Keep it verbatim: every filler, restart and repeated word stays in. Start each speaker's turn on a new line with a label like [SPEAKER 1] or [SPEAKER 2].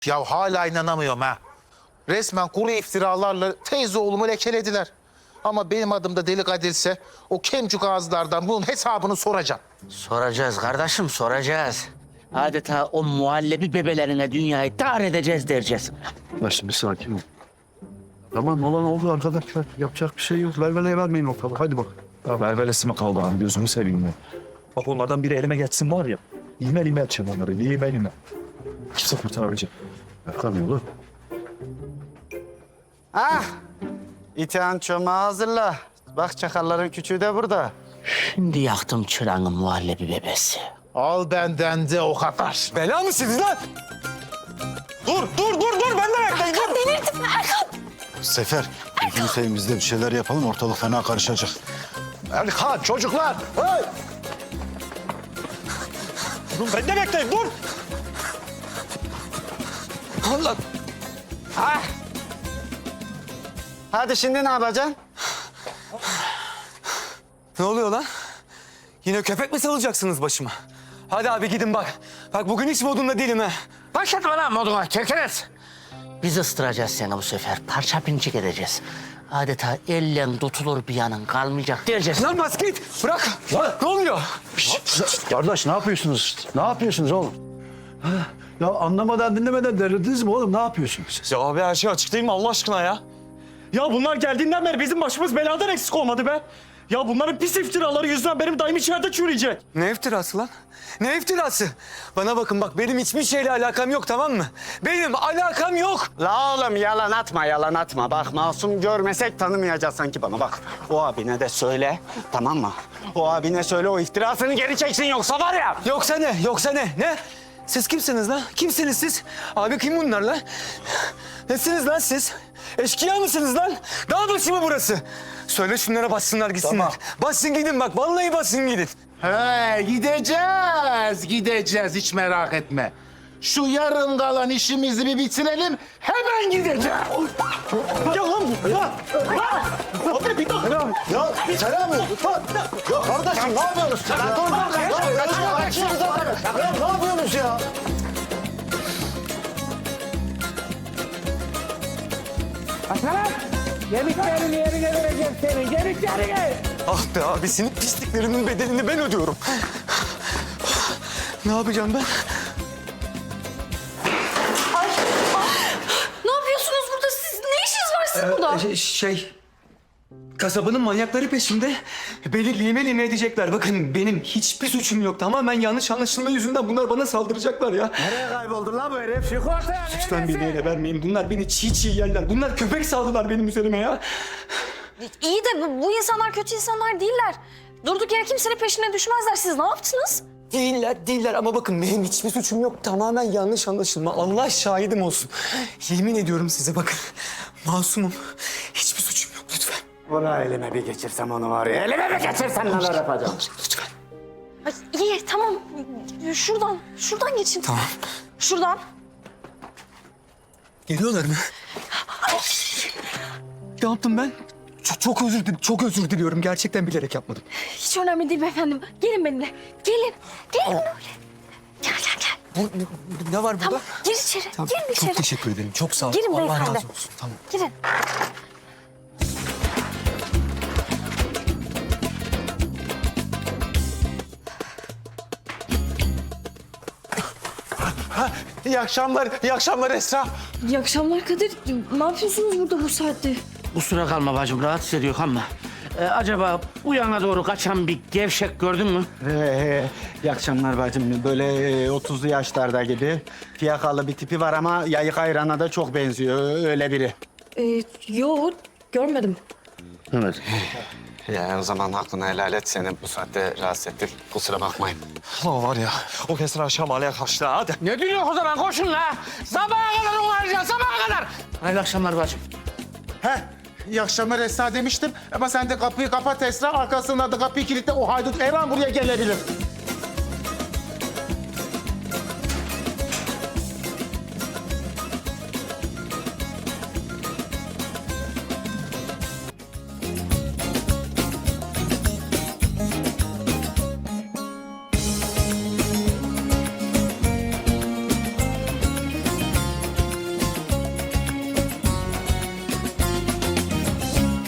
[SPEAKER 1] Ya hala inanamıyorum ha. Resmen kuru iftiralarla teyze oğlumu lekelediler. Ama benim adım da Deli Kadir'se o kemcük ağızlardan bunun hesabını soracağım.
[SPEAKER 2] Soracağız kardeşim, soracağız. Adeta o muhallebi bebelerine dünyayı dar edeceğiz dereceğiz.
[SPEAKER 3] Ya şimdi sakin ol. Tamam olan oldu arkadaşlar. Yapacak bir şey yok. Velveleye vermeyin ortalığı. Hadi bak.
[SPEAKER 4] Ya velvelesi mi kaldı abi gözümü seveyim ya. Bak onlardan biri elime geçsin var ya. İğme ilme edeceğim onları. İğme ilme. Kimse kurtaramayacak.
[SPEAKER 3] Yakamıyor oğlum.
[SPEAKER 5] Ah! İtihan çomağı hazırla. Bak çakalların küçüğü de burada.
[SPEAKER 2] Şimdi yaktım çırağın muhallebi bebesi.
[SPEAKER 1] Al benden de o kadar.
[SPEAKER 6] Bela mısınız lan? Dur, dur, dur, dur. Ben de bekleyin. Dur.
[SPEAKER 7] Delirdim Erkan.
[SPEAKER 8] Sefer, gözünü seveyim biz de bir şeyler yapalım. Ortalık fena karışacak.
[SPEAKER 1] Erkan çocuklar. Hey!
[SPEAKER 6] Dur, ben de bekleyin. Dur. Allah.
[SPEAKER 5] Ah! Hadi şimdi ne yapacaksın?
[SPEAKER 6] Ne oluyor lan? Yine köpek mi salacaksınız başıma? Hadi abi gidin bak. Bak bugün hiç modunda değilim ha.
[SPEAKER 2] Başlatma lan moduna, çekeriz. Biz ıstıracağız seni bu sefer, parça pinçik edeceğiz. Adeta elle tutulur bir yanın kalmayacak diyeceğiz.
[SPEAKER 6] Lan bas git. Bırak. Lan. Ne oluyor?
[SPEAKER 3] Kardeş ne yapıyorsunuz? Ne yapıyorsunuz oğlum? Ha? Ya anlamadan dinlemeden delirdiniz mi oğlum? Ne yapıyorsunuz siz?
[SPEAKER 6] Ya abi her şey açık değil mi Allah aşkına ya? Ya bunlar geldiğinden beri bizim başımız beladan eksik olmadı be. Ya bunların pis iftiraları yüzünden benim dayım içeride çürüyecek. Ne iftirası lan? Ne iftirası? Bana bakın bak benim hiçbir şeyle alakam yok tamam mı? Benim alakam yok.
[SPEAKER 5] La oğlum yalan atma, yalan atma. Bak masum görmesek tanımayacağız sanki bana bak. O abine de söyle, tamam mı? O abine söyle o iftirasını geri çeksin yoksa var ya.
[SPEAKER 6] Yoksa ne? Yoksa ne? Ne? Siz kimsiniz lan? Kimsiniz siz? Abi kim bunlar lan? Nesiniz lan siz? Eşkıya mısınız lan? Dağ başı mı burası? Söyle şunlara bassınlar gitsinler.
[SPEAKER 1] Tamam.
[SPEAKER 6] Bassın gidin bak. Vallahi bassın gidin.
[SPEAKER 1] He gideceğiz, gideceğiz hiç merak etme. Şu yarın kalan işimizi bir bitirelim, hemen gideceğiz.
[SPEAKER 6] Ya lan bu. Ya. Abi bir dakika.
[SPEAKER 8] Ya Selam. Ya kardeşim ne yapıyorsunuz? Ya dur dur. Ya kaçıyor kaçıyor zaten. Ya ne yapıyorsunuz ya?
[SPEAKER 2] Yemeklerini yerine vereceğim seni, yemeklerini.
[SPEAKER 6] Ah be abisinin pisliklerinin bedelini ben ödüyorum. Ne yapacağım ben?
[SPEAKER 7] Ne yapıyorsunuz burada siz? Ne işiniz var sizin burada?
[SPEAKER 6] Şey, şey... Kasabanın manyakları peşimde. Beni lime lime edecekler. Bakın benim hiçbir suçum yok. Tamamen yanlış anlaşılma yüzünden bunlar bana saldıracaklar ya.
[SPEAKER 5] Nereye kayboldun lan bu herif? Çık ortaya.
[SPEAKER 6] Lütfen beni ele vermeyin. Bunlar beni çiğ çiğ yerler. Bunlar köpek saldılar benim üzerime ya.
[SPEAKER 7] İyi de bu, bu insanlar kötü insanlar değiller. Durduk yere kimsenin peşine düşmezler. Siz ne yaptınız?
[SPEAKER 6] Değiller, değiller ama bakın benim hiçbir suçum yok. Tamamen yanlış anlaşılma. Allah şahidim olsun. Yemin ediyorum size bakın. Masumum. Hiçbir suçum yok lütfen.
[SPEAKER 5] Ulan elime bir geçirsem onu var ya. Elime bir geçirsem neler yapacağım?
[SPEAKER 6] Lütfen.
[SPEAKER 7] Ay, iyi tamam. Şuradan, şuradan geçin.
[SPEAKER 6] Tamam.
[SPEAKER 7] Şuradan.
[SPEAKER 6] Geliyorlar mı? Ne yaptım ben? Çok, çok özür dilerim. Çok özür diliyorum. Gerçekten bilerek yapmadım.
[SPEAKER 7] Hiç önemli değil beyefendi. Gelin benimle. Gelin. Gelin böyle. Gel gel gel.
[SPEAKER 6] Bu, bu- ne var burada?
[SPEAKER 7] Tamam gir içeri.
[SPEAKER 6] Tamam,
[SPEAKER 7] Girin içeri.
[SPEAKER 6] çok teşekkür ederim. Çok sağ ol.
[SPEAKER 7] Girin
[SPEAKER 6] Allah
[SPEAKER 7] beyefendi.
[SPEAKER 6] razı olsun. Tamam.
[SPEAKER 7] Girin.
[SPEAKER 6] İyi akşamlar. İyi akşamlar Esra.
[SPEAKER 7] İyi akşamlar Kadir. Ne yapıyorsunuz burada bu saatte?
[SPEAKER 2] Kusura kalma bacım, rahatsız ediyor ama... Ee, acaba bu yana doğru kaçan bir gevşek gördün mü?
[SPEAKER 5] Ee, iyi akşamlar bacım. Böyle e, otuzlu yaşlarda gibi fiyakalı bir tipi var ama yayık ayrana da çok benziyor. Öyle biri.
[SPEAKER 7] Ee, yok görmedim.
[SPEAKER 2] Evet.
[SPEAKER 5] Ya o zaman hakkını helal et. Seni bu saatte rahatsız ettik. Kusura bakmayın.
[SPEAKER 6] O var ya, o kesin aşağı mahalleye kaçtı. Hadi.
[SPEAKER 2] Ne diyorsun o zaman? Koşun la! Sabaha kadar onu arayacağız, sabaha kadar! Hayırlı akşamlar bacım.
[SPEAKER 1] He, iyi akşamlar Esra demiştim ama sen de kapıyı kapat Esra, arkasından da kapıyı kilitle, o haydut Erhan buraya gelebilir.